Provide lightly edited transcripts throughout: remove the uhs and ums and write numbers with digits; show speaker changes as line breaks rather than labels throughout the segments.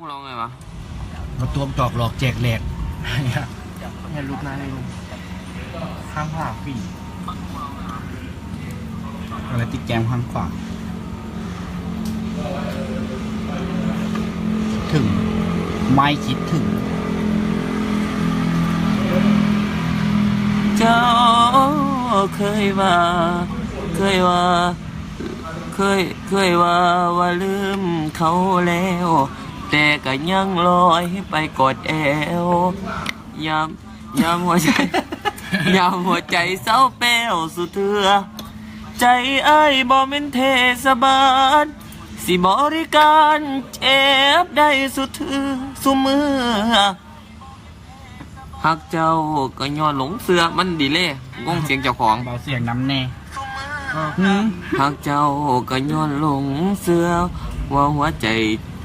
ลองไงวะ
มาตัวจอกหลอกแจกแหลก
อย่าลุกนะเลยลุงข้ามผ่าฝี
อะไรติดแกมข้างขวาถึงไม่คิดถึง
เจ้าเคยว่าว่าลืมเขาแล้วแต่ก็ยังลอยไปกอดแอวยามหัวใจ ยามหัวใจเศร้าแป้วสุดเถื่อใจอ้ายบ่เป็นเทศบาลสิบริการเจ็บได้สุดเถื่อสุมือหักเจ้าก็ย้อนหลงเสือมันดีเล่งงเสียงเจ้าของ
เบาเสียงน้ำแน่
หักเจ้าก็ย้อนหลงเสือว่าหัวใจ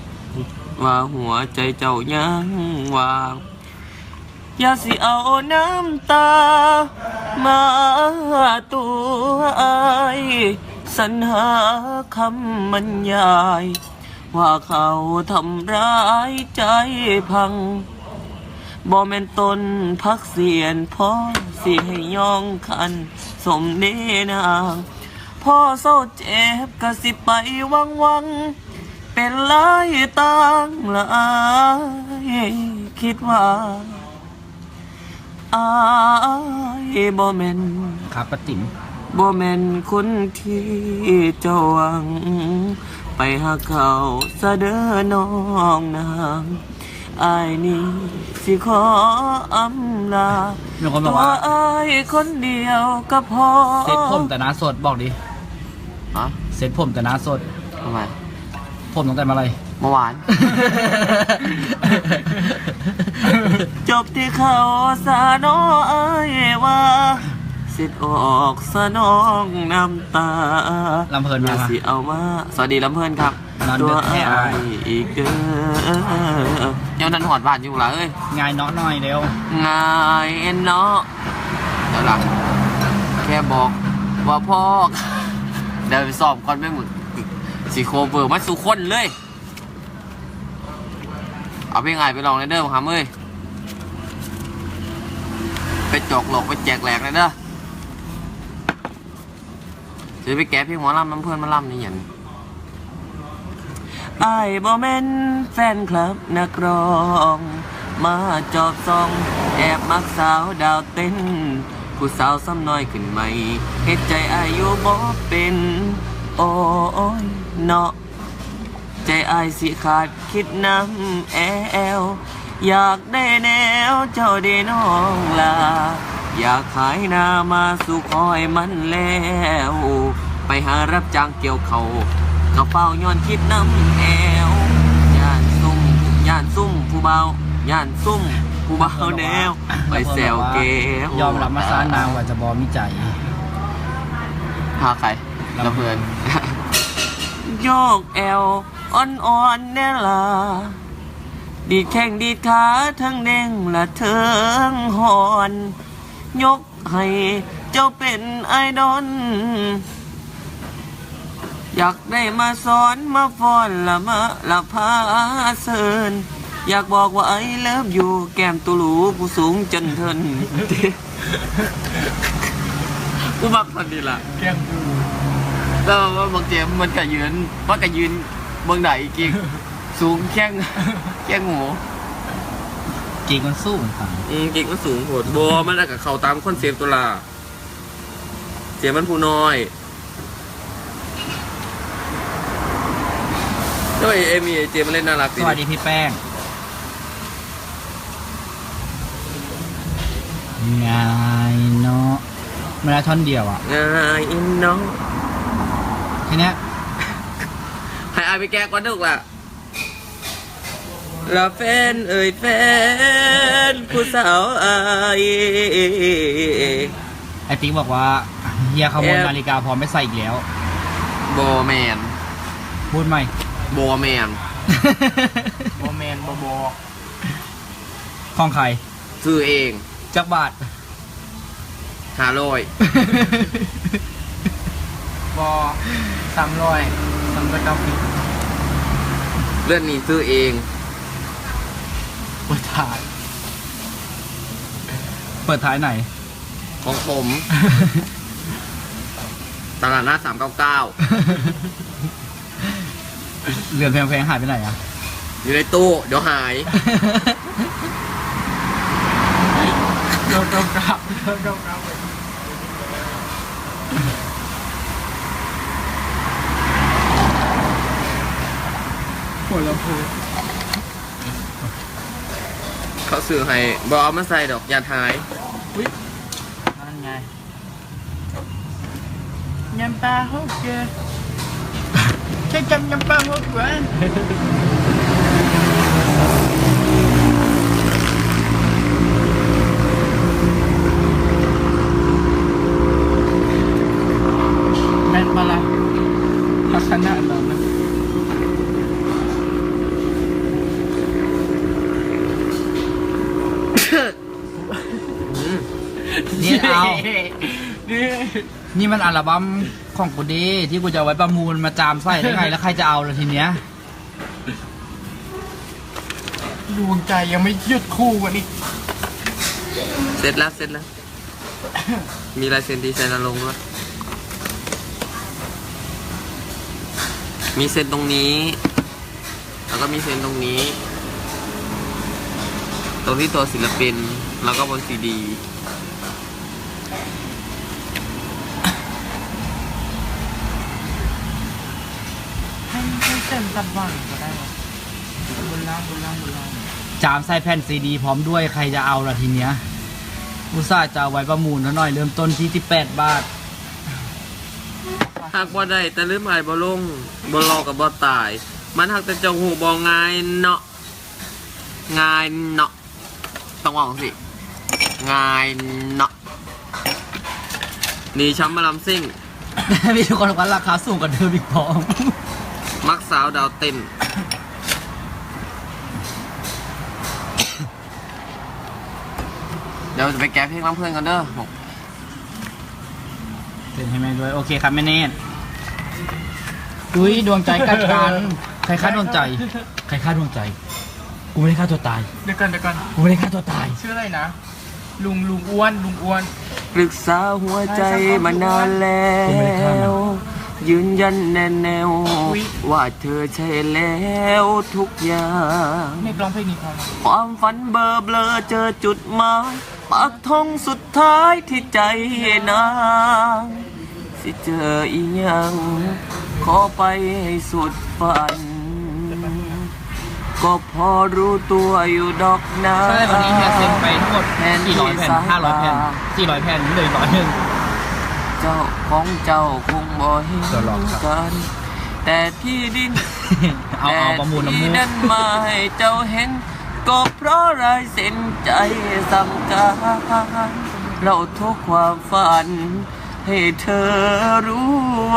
เจ้ายังว่างอย่าสิเอาน้ำตามาตัวอายสรรหาคำบรรยายว่าเขาทำร้ายใจพังบ่แม่นตนพักเสียนพ่อสิให้ย่องคันสมเนนางพ่อเศร้าเจ็บก็สิไปวังเป็นหลายต่างหลายคิดว่าอายบ่แม่น
ครับปะติ๋ม
บ่แม่นคนที่เจ้าหวังไปหาเขาซะเด้อน้องนางอายนี่สิขออำลาตัวอายคนเดียวก็พอ
เซ็ตผมแต่หน้าสดบอกดิเซ็ตผมแต่หน้าสด
ทำไม
ผมตั้งแต่มาอะไร
เมื่อวาน จบที่เขาสาโนอายว่าสิทธิ์ออกสะน้องน้ำตา
ลำเพลินมา
สิเอามาสวัสดีลำเพลินครับตัวอายอีกเด้อเดี๋ยวนั้นหอดบาดอยู่หรอเอ้ย
ง่ายเนาะหน่อยเร็ว
ง่ายเนาะเดี๋ยวหลังแค่บอกว่าพ่อเดี๋ยวไปสอบก่อนไม่หมดสีโคเวอร์มาสู่คนเลยเอาเพลงไงไปลองในเด้อมาครับเอ้ยไปจอกหลอกไปแจกแหลกเลยเด้อจะไปแก้เพลงหมอลำน้ำเพื่อนมาลำนี่อย่างไอ้บ่แม่นแฟนคลับนักร้องมาจอบซองแอบมักสาวดาวเต้นผู้สาวซ้ำน้อยขึ้นใหม่เฮ็ดใจอายุบ่เป็นโอ้ยเนาะใจอายสิขาดคิดน้ำแอวอยากได้แนวเจ้าได้น้องลาอยากขายนามาสู่คอยมันแล้วไปหารับจ้างเกี่ยวเขากระเป๋าย้อนคิดน้ำแอวย่านซุ่มผู้เบาย่านซุ่มผู้เบาแนวไปแซวเกวย
อมรับมาซานางว่าจะบอมิใจ
พาใครละเพื่อนโยกแอวอ่อนๆแน่ล่ะดีดแข้งดีดขาทั้งเด้งละเทิงหอนยกให้เจ้าเป็นไอดอลอยากได้มาสอนมาฟ้อนละพาเซินอยากบอกว่าไอเลิฟอยู่แก้มตุลูผู้สูงจนเทินกูบักทันดีละ
แก้มตู
แล้วว่าบางเจมมันก็ยืนเบื้องไหนอีกสูงแข้งหมู
กิ่งมันสูงครับ
กิ่งมันสูงโหดบัวมันได้กับเขาตามคอนเซปต์ตัวละเจมมันผู้น้อยแล้วเอมี่เจมมันเล่นน่ารัก
สวัสดีพี่แป้งง่ายเนาะมาราธอนเดียวอ่ะ
ง่ายเนาะ
ทีเนี้ย
ให้อายไปแก้ก่อนถูกล่ะละแฟนแฟนผู้สาวอาย
ไอติ๊กบอกว่าเฮียขโมยนาฬิกาพร้อมไม่ใส่อีกแล้ว
โบแมน
พูดไหม
โบแมน
โมเมนต์โบ
ของใคร
ซื้อเอง
จักบาท
500
บอ300 390
เรื่องนี้ซื้อเอง
ท้าย เปิดท้ายไหน
ของผม ตลาดหน้า399
เรือนแพงๆหายไปไหนอ่ะ
อยู่ในตู้เดี๋ยวหาย
เดินกลับเดินกลับหัวลำโพง
เขาซื้อให้บเอามาใส่ดอกยาทาย
นั่นไงยำปลาฮกเกอร์ใช่จำยำปลาฮกเกอร์แม่นปะล่ะพัฒนาเรานะ
นี่เอา
นี่
นี่มันอัลบั้มของกูดีที่กูจะเอาไว้ประมูลมาจามไส้ได้ไง แล้วใครจะเอาล่ะทีเนี้ย
ดวงใจยังไม่หยุดคู่กันอีก
เสร็จแล้วเสร็จแล้ว มีลายเซ็นดีไซน์นรงค์ด้วยมีเซ็นตรงนี้ แล้วก็มีเซ็นตรงนี้ ตรงที่ตัวศิลปิน แล้วก็บนซีดี
ให้เต็มตัดบ้างก็ได้หรอบุญล่างบุญล่างบุญล่าง
จามไส้แผ่นซีดีพร้อมด้วยใครจะเอาล่ะทีเนี้ยอุตส่าห์จะเอาไว้ประมูลแล้วหน่อยเริ่มต้นที่18 บาท
หากบ่ได้แต่ลืมหายบ่ลงบ่รอกับบ่ตาย มันหักแต่เจ้าหูบ่ง่ายเนาะง่ายเนาะต้องว่าสิง่ายเนาะนี่ช้ำมาลำซิ่ง
มีทุกคนบอกว่าราคาสูงกว่าเดิมอีกพร้อม
มักสาวดาวเต้น เดี๋ยวจะไปแก้เพลงร้ำเพื่อนกันเด้อ
เป็นให้แม่ด้วยโอเคครับแม่เนตอุ้ยดวงใจกัดกันใครฆ่าดวงใจ ใครฆ่าดวงใจ กูไม่ได้ฆ่าตัวตาย
เดี๋ยวก่อนเดี๋ยวก่อน
กูไม่ได้ฆ่าตัวตาย
ชื่ออะไรนะ ลุงอ้วนลุงอ้วน
ปรึกษาหัวใจมานานแล้ว ยืนยันแน่แนว ว่าเธอใช่แล้วทุกอย่าง
เมฆร้องเพลงนี้พอไหม
ความฝันเบลอเบลอเจอจุดหมายปักธงสุดท้ายที่ใจนางสิเจออีหยัง ขอไปให้สุดฝัน ก็พอรู้ตัวอยู่ดอกนา
ใช่วันนี้เฮียเซ็นไปทั้งหมดกี่ร้อยแผ่น500 แผ่น400 แผ่นเหลือ100 นึง
เจ้าของเจ้าคงบ่เห็น
เดี๋ยวรอครับ
กัน แต่ที่ดิน
เอาประมูลน้ำมู
ที่
ก
นั่นมาให้เจ้าเห็น ก็เพราะลายเส้นใจสั่งการเราทุกความฝัน ให้เธอรู้ไว้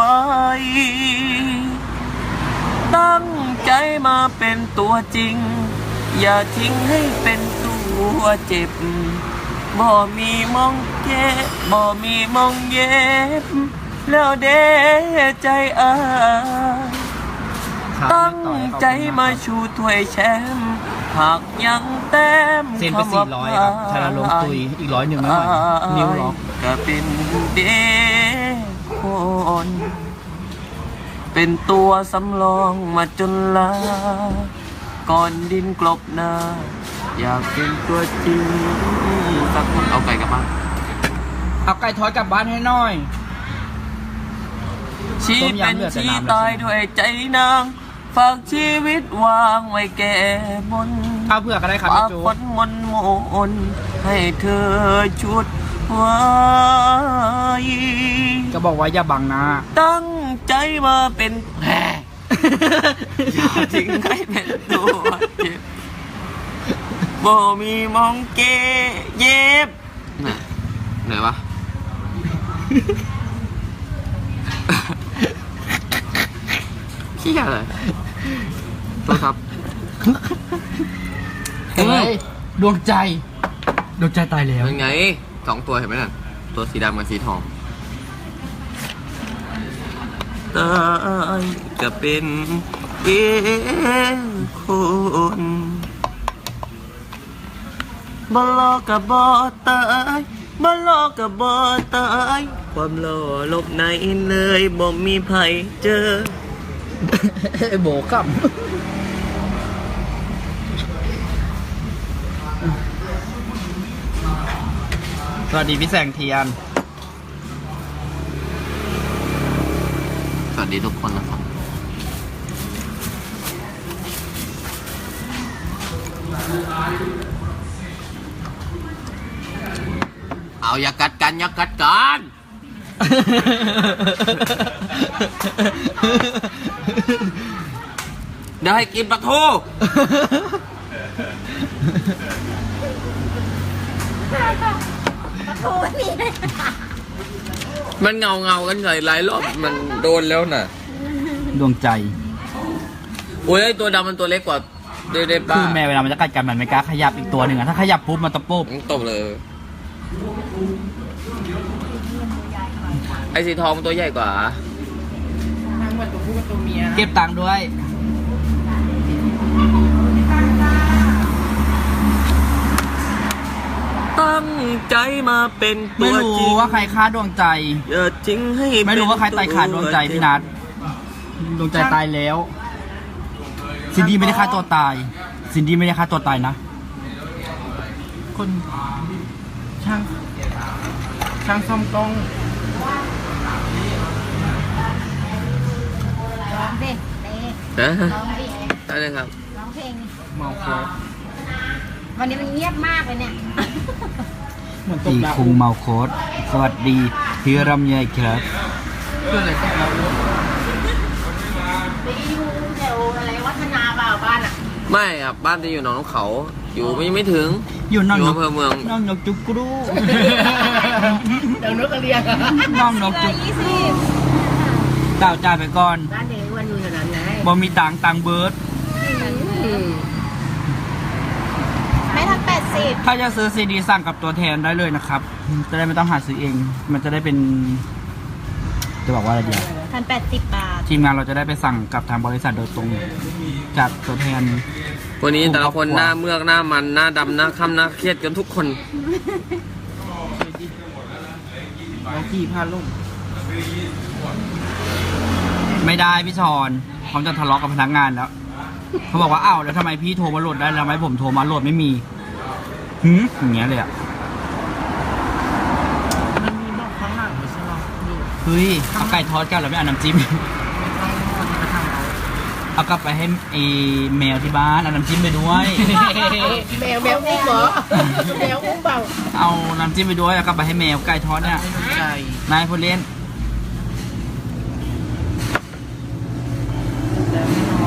ตั้งใจมาเป็นตัวจริง อย่าทิ้งให้เป็นตัวเจ็บ บ่มีมองเก็บบ่มีมองเย็บ แล้วเด้ใจอาย ตั้งใจมาชูถ้วยแชมป์หากยังแต้ม
เซ็นไป400ครับธนาลงตุยอีก100ไม่ไหวนิ้วล็อก
ก็เป็นเด็กคน เป็นตัวสำรองมาจนลา ก่อนดินกลบหน้า อยากเป็นตัวจริงสักคนเอาไก่กลับบ้าน
เอาไก่ทอดกลับบ้านให้หน่อย
ชีเป็นชีตายด้วยใจนาง ฝากชีวิตวางไว้แก่มน
เอาเผื่อก็ได้ครับ
ฝา
พี่
ก
จู
คนมนโมนให้เธอชุดไว้
ก็บอกว่าอย่าบังหน้า
ตั้งใจมาเป็นแห่อย่าทิ้งให้เป็นตัวเจ็บบ่มีมองเกเย็บน่ะไหนวะ ขี้อะไรโทษครับ
เฮ้ยดวงใจดวงใจตายแล้ว
เป็นไง2 ตัวเห็นไหมน่ะ ตัวสีดำกับสีทองตายจะเป็นเองคนบ่รอกับบ่ตายบ่รอกับบ่ตายความหล่อลบไหนเลยบ่มีไผเจอ
โบกับ สวัสดีพี่แสงเทียน
สวัสดีทุกคนนะครับเอาอย่ากัดกันอย่ากัดกันเดี๋ยวให้กินปลาทู
โอ้ย
มันเงากันหลายรอบมันโดนแล้วน่ะ
ดวงใจ
โอ้ยไอ้ตัวดำมันตัวเล็กกว่าเด้ป้า
คือแม่เวลามันจะกัดกันมันไม่กล้าขยับอีกตัวหนึ่งอะถ้าขยับปุ๊บมันตะปุ๊บ
ตบเลย ไอ้สีทองมันตัวใหญ่กว่า
ทั้งหมดตัวผู้กับตัวเมีย
เก็บตังค์ด้วย
ตั้งใจมาเป็นตั
ไม่
ว
รู้
จริง
ว่าใครฆ่าดวงใจ
อย่าทิ้งให้
ไม่รู้ว่าใครตายขาดดวงใจพี่นัทดวงใจตายแล้ว ซินดี้ไม่ได้ฆ่าตัวตาย ซินดี้ไม่ได้ฆ่าตัวตายนะ
คนช่างซ่อมกล้อง
ร้องเพลงเต้
นะ
ร้องเพลง
ได้เลยครับ
ร้องเพลง
เมาโคตร
วันนี้มันเงียบมากเลยเนี่ย
เหมือนตก
ตี
ดาว
คุงเมาโคตสวัสดีพี่รำไยครับ
เพื่ออะไรตกดาว
ไปอยู่แถวอะไรวัฒนาเปล่าบ้านอ่ะ
ไม่ครับบ้านจะอยู่หนองน้ำเขา อยู่ไม่ถึง
อยู่น้อง
อยู่
นก
อำเภอเมือง
น้องนกจุกกรู
เดี๋ยวนกกระเรียง
น้องนกจุก
20
ดาวจ่ายไปก่อน
บ้านเด็กวันอยู่แถวนั้นไง
บ่มีตังเบิร์ด
ไม่ทัน80
ถ้าจะซื้อซีดีสั่งกับตัวแทนได้เลยนะครับ จะได้ไม่ต้องหาซื้อเอง มันจะได้เป็น จะบอกว่าอะไรดี
ทัน80 บาท
ทีมงานเราจะได้ไปสั่งกับทางบริษัทโดยตรง จากตัวแทน
วันนี้แต่ละคนหน้าเมือกหน้ามันหน้าดำหน้าค่ำหน้าเครียดกันทุกคน
น้องขี่พาลุ่ม
ไม่ได้พี่ชอนเขาจะทะเลาะกับพนักงานแล้วเขาบอกว่าอ้าวแล้วทำไมพี่โทรมาโหลดได้แล้วทำไมผมโทรมาโหลดไม่มีอย่างเงี้ยเลยอ่ะ
มันมีบอกข้างหลังไม่ใช่หรออยู่
เฮ้ยเอาไก่ทอดกันแล้วไม่เอาน้ำจิ้ม
คนที่มาทำเรา
เอากลับไปให้ไอ้แมวที่บ้านเอาน้ำจิ้มไปด้วย
แมวอุ้มเหรอแมวอุ้มเปล่า
เอาน้ำจิ้มไปด้วยเอากลับไปให้แมวไก่ทอดเนี่ย
ไม่สนใจ
นายพูดเล่น
แต่ไม่นอน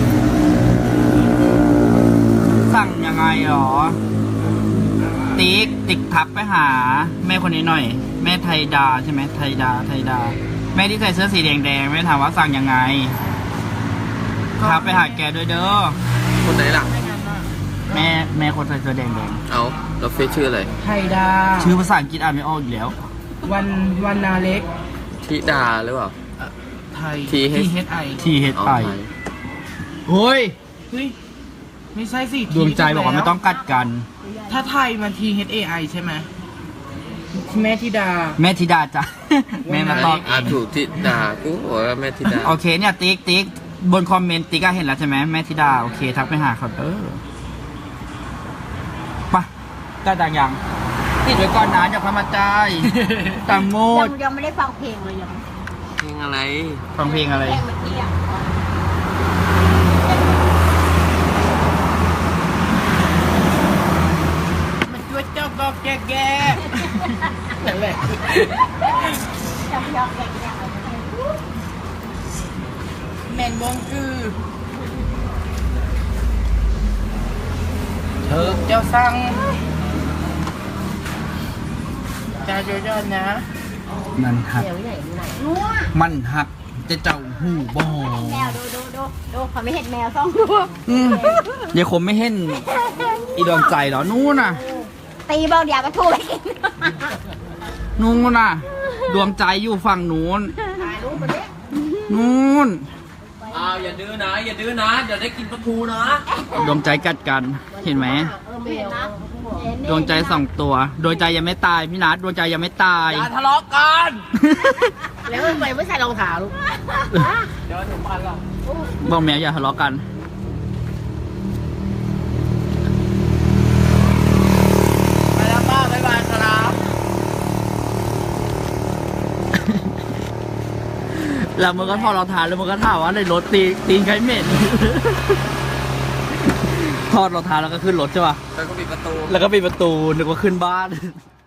สั่งยังไงหรอ ติ๊กทักไปหา แม่คนนี้หน่อย แม่ไทยดาใช่ไหมไทยดา แม่ที่ใส่เสื้อสีแดงแม่ถามว่าสั่งยังไงทักไปหาแกด้วยเด้อ
คนไหนล่ะ
แม่คนใส่เสื้อแดง
เอาเราเฟซชื่ออะไร
ไทยดา
ชื่อภาษาอังกฤษอ่านไม่ออกอีกแล้ว
วันนาเล็ก
ธิดาหรือเปล่า
ไทย
THI
THI
THI โอ้ย
เฮ้ยไม่ใช่สิ
ดวงใจบอกว่าไม่ต้องกัดกัน
ถ้าไทยมัน THAI ใช่ไหมแม่ธิดา
แม่ธิดาจ้ะ แม่มาตอบเอ
อ่าง ถูกธิดากูบอกว่าแม่ธิดา
โอเคเนี่ยติ๊กบนคอมเมนต์ติ๊กก็เห็นแล้วใช่ไหมแม่ธิดาโอเคทักไปหาเขาไปได้ตังยังติดไว้ก่อนนะอย่าพามาจ่ายตังโมด
ยังไม่ได้ฟังเพลงเลยยัง
เพลงอะไร
ฟังเพลงอะไร
เพลงเมื่อกี้อ่ะ
มันช่วยเจ้าก็แก่นั่นแหละ
จำยอกแกะเอาไปให้
แมนวงคือเธอเจ้าสั่งจ้าโยยอนนะ
มันหัก
เดี๋ยวไหนดูไหนนัว
มันหักจะเจ้าหูบ่
แมวดูเขาไม่เห็นแมวซ่องดู
เดี๋ยวคมไม่เห็นอีดวงใจเหรอนู่นน่ะ
ตีเบาเดี๋ยวก็ถูกไปกิน
นู่นน่ะ ดวงใจอยู่ฝั่งนู้น
ถ่ายรูปมาดิ
นู่น
อ้าวอย่าดื้อนะอย่าดื้อนะเดี๋ยวได้กินปลาทูนะ
ดวงใจกัดกันเห็นไหม
ไม่เห็นนะ
ดวงใจ2 ตัวดวงใจยังไม่ตายพี่นัทดวงใจยังไม่ตาย
อย่าทะเลาะกัน
แล้วทำไมไม่ใส่รองเท้าลูก
เดี๋ยวถึงบ้านแล้ว
บอกแม่อย่าทะเลาะกัน
ไปแล้วป้าบ๊ายบายครับ
แล้วมึงก็ถอดรองเท้าแล้วมึงก็ถามว่าในรถตีนใครเหม็น ถอดรองเท้าแล้วก็ขึ้นรถใช่ป่ะ
แล้วก็ปิดประตู
แล้วก็ปิดประตูนึกว่าขึ้นบ้าน